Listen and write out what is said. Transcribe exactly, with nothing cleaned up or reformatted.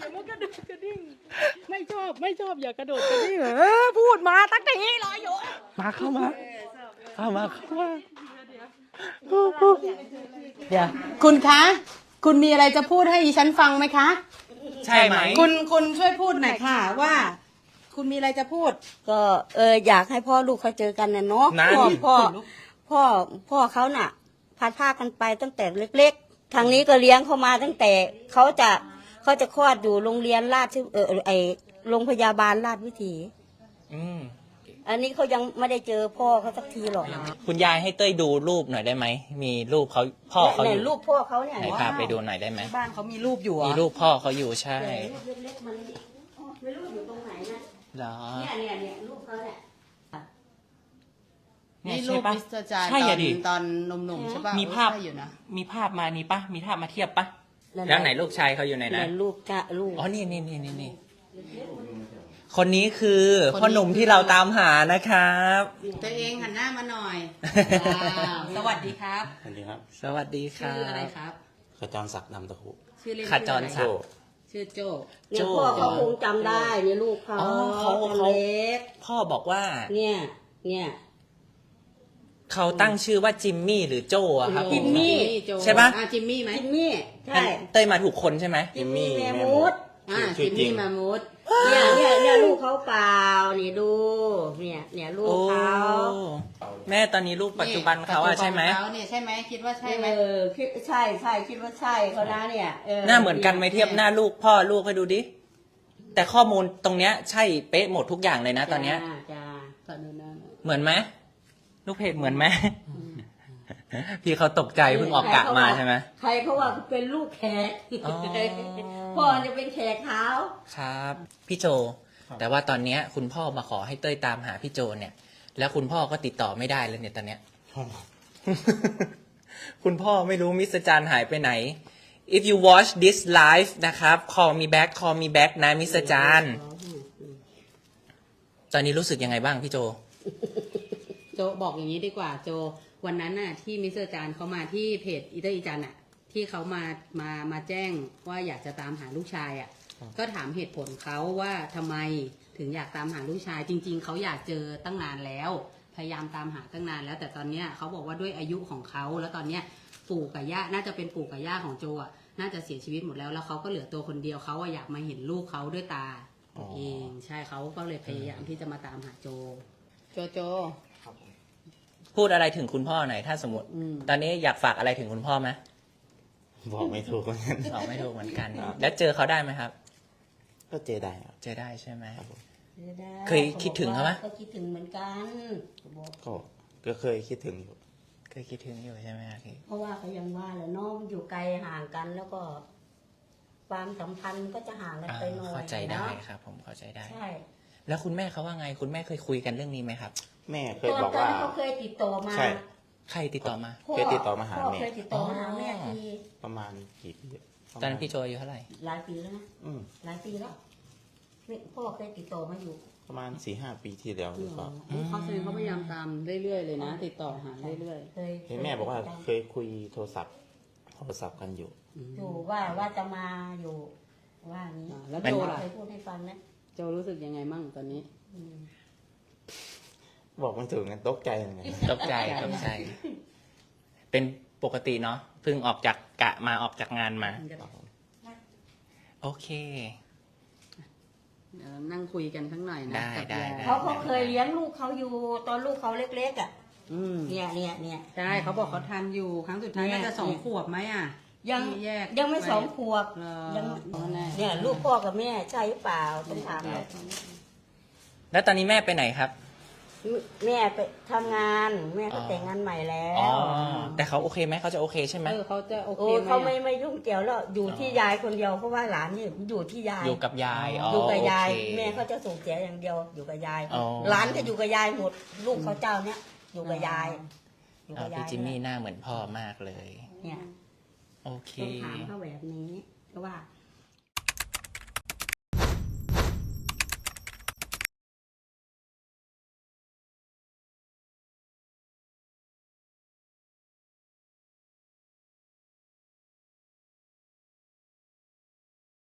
มุกกระโดดกระดิ่งไม่ชอบไม่ชอบอย่ากระโดดกระดิ่งเออพูดมาตั้งแต่นี้รออยู่มาเข้ามาเข้ามาเข้ามาเดี๋ยวคุณคะคุณมีอะไรจะพูดให้ดิฉันฟังไหมคะใช่ไหมคุณคุณช่วยพูดหน่อยค่ะว่าคุณมีอะไรจะพูดก็เอออยากให้พ่อลูกเขาเจอกันนะเนาะพ่อพ่อพ่อพ่อเขาน่ะพัดพากันไปตั้งแต่เล็กๆทางนี้ก็เลี้ยงเขามาตั้งแต่เขาจะเขาจะคลอดอยู่โรงเรียนราชเออไอโรงพยาบาลราชวิถีอืมอันนี้เขายังไม่ได้เจอพ่อเขาสักทีหรอกคุณยายให้เต้ยดูรูปหน่อยได้ไหมมีรูปเขาพ่อเขาอยู่รูปพ่อเขาเนี่ยไหนพาไปดูหน่อยได้ไหมบ้านเขามีรูปอยู่มีรูปพ่อเขาอยู่ใช่รูปเล็กๆมันไม่รู้อยู่ตรงไหนนะเหรอเนี่ยเนี่ยเนี่ยรูปเขาเนี่ยนี่รูปมิสเตอร์จายตอนตอนหนุ่มๆใช่ป่ะมีภาพอยู่นะมีภาพมานี่ปะมีภาพมาเทียบปะแล้วไหนลูกชายเขาอยู่ไหนนะลูกจ้าลูกอ๋อนี่นี่นี่นี่นี่คนนี้คือพ่อหนุ่มที่เราตามหานะครับตัวเองหันหน้ามาหน่อยสวัสดีครับสวัสดีครับสวัสดีครับชื่ออะไรครับขจรศักดิ์นามตะคุชื่อเล่นขจรศักดิ์ชื่อโจเนี่ยพ่อเขาคงจำได้เนี่ยลูกเขาเขาเล็กพ่อบอกว่าเนี่ยเนี่ยเขาตั้งชื่อว่าจิมมี่หรือโจอะครับจิมมี่ใช่ปะจิมมี่ไหมจิมมี่ใช่เต้ยมาถูกคนใช่ไหมจิมมี่แมมูดอ่าจิมมี่แมมูดเนี่ยเนี่ยเนี่ยลูกเขาเปล่านี่ดูเนี่ยเนี่ยลูกเขาแม่ตอนนี้ลูกปัจจุบันเขาอะใช่ไหมเขาเนี่ยใช่ไหมคิดว่าใช่ไหมเออคิดใช่ใช่คิดว่าใช่เขานะเนี่ยหน้าเหมือนกันไหมเทียบหน้าลูกพ่อลูกให้ดูดิแต่ข้อมูลตรงเนี้ยใช่เป๊ะหมดทุกอย่างเลยนะตอนเนี้ยเหมือนไหมลูกเพจเหมือนไหมพี่เขาตกใจเพิ่งออกกะมาใช่ไหมใครเขาว่าเป็นลูกแขกพ่อจะเป็นแขกเขาครับพี่โจแต่ว่าตอนเนี้ยคุณพ่อมาขอให้เต้ยตามหาพี่โจเนี่ยแล้วคุณพ่อก็ติดต่อไม่ได้เลยเนี่ยตอนเนี้ยคุณพ่อไม่รู้มิสเตอร์จานหายไปไหน if you watch this live นะครับ call me back call me back นะมิสเตอร์จานตอนนี้รู้สึกยังไงบ้างพี่โจโจบอกอย่างนี้ดีกว่าโจวันนั้นน่ะที่มิสเตอร์จานเขามาที่เพจอีเตอร์อีจันอ่ะที่เขามามามาแจ้งว่าอยากจะตามหาลูกชายอ่ะก็ถามเหตุผลเขาว่าทำไมถึงอยากตามหาลูกชายจริงๆเขาอยากเจอตั้งนานแล้วพยายามตามหาตั้งนานแล้วแต่ตอนเนี้ยเขาบอกว่าด้วยอายุของเขาแล้วตอนเนี้ยปู่กับย่าน่าจะเป็นปู่กับย่าของโจอ่ะน่าจะเสียชีวิตหมดแล้วแล้วเขาก็เหลือตัวคนเดียวเขาอยากมาเห็นลูกเขาด้วยตาเองใช่เขาก็เลยพยายามที่จะมาตามหาโจโจโจพูดอะไรถึงคุณพ่อหน่อยถ้าสมมติตอนนี้อยากฝากอะไรถึงคุณพ่อไหมบอกไม่ถูกเหมือนกันบอกไม่ถูกเหมือนกันแล้วเจอเขาได้ไหมครับก็เจอได้ครับเจอได้ใช่ไหมเคยคิดถึงเขาไหมก็คิดถึงเหมือนกันก็ก็เคยคิดถึงอยู่เคยคิดถึงอยู่ใช่ไหมครับเพราะว่าเขายังว่าแหละน้องอยู่ไกลห่างกันแล้วก็ความสัมพันธ์ก็จะห่างกันไปหน่อยเข้าใจได้ครับผมเข้าใจได้ใช่แล้วคุณแม่เขาว่าไงคุณแม่เคยคุยกันเรื่องนี้ไหมครับแม่เคยบอกว่าเขาเคยติดต่อมาใช่ใครติดต่อมาเคยติดต่อมาหาแม่เคยติดต่อมาหาแม่ทีประมาณกี่ปีตอนนั้นพี่โจอายุเท่าไหร่หลายปีแล้วนะหลายปีแล้วพ่อเคยติดต่อมาอยู่ประมาณสี่ห้าปีที่แล้วหรือเปล่าเขาแสดงเขาพยายามตามเรื่อยๆเลยนะติดต่อหาเรื่อยๆเคยแม่บอกว่าเคยคุยโทรศัพท์โทรศัพท์กันอยู่อยู่ว่าว่าจะมาอยู่ว่านี้แล้วโจล่ะเคยพูดให้ฟังนะโจรู้สึกยังไงมั่งตอนนี้บอกมันถึงกันตกใจยังไงตกใจตกใจเป็นปกติเนาะเพิ่งออกจากกะมาออกจากงานมาโอเคเดี๋ยวนั่งคุยกันข้างหน่อยนะได้ได้เขาเขาเคยเลี้ยงลูกเขาอยู่ตอนลูกเขาเล็กๆอ่ะเนี่ยเนี่ยเนี่ยใช่เขาบอกเขาทานอยู่ครั้งสุดท้ายน่าจะสองขวบไหมอ่ะยังยังไม่สองขวบยังเนี่ยลูกพ่อกับแม่ใช่หรือเปล่าต้องถามเลยแล้วตอนนี้แม่ไปไหนครับแม่ไปทำงานแม่ก็แต่งงานใหม่แล้วแต่เขาโอเคไหมเขาจะโอเคใช่ไหมเออเขาจะโอเคไหมเขาไม่ไม่ยุ่งเกี่ยวแล้วอยู่ที่ยายคนเดียวเพราะว่าหลานนี่อยู่ที่ยายอยู่กับยายอยู่กับยายแม่เขาจะส่งเสียอย่างเดียวอยู่กับยายหลานก็อยู่กับยายหมดลูกเขาเจ้าเนี้ยอยู่กับยายอยู่กับยายพี่จิมมี่หน้าเหมือนพ่อมากเลยเนี่ยโอเคต้องถามเขาแบบนี้เพราะว่า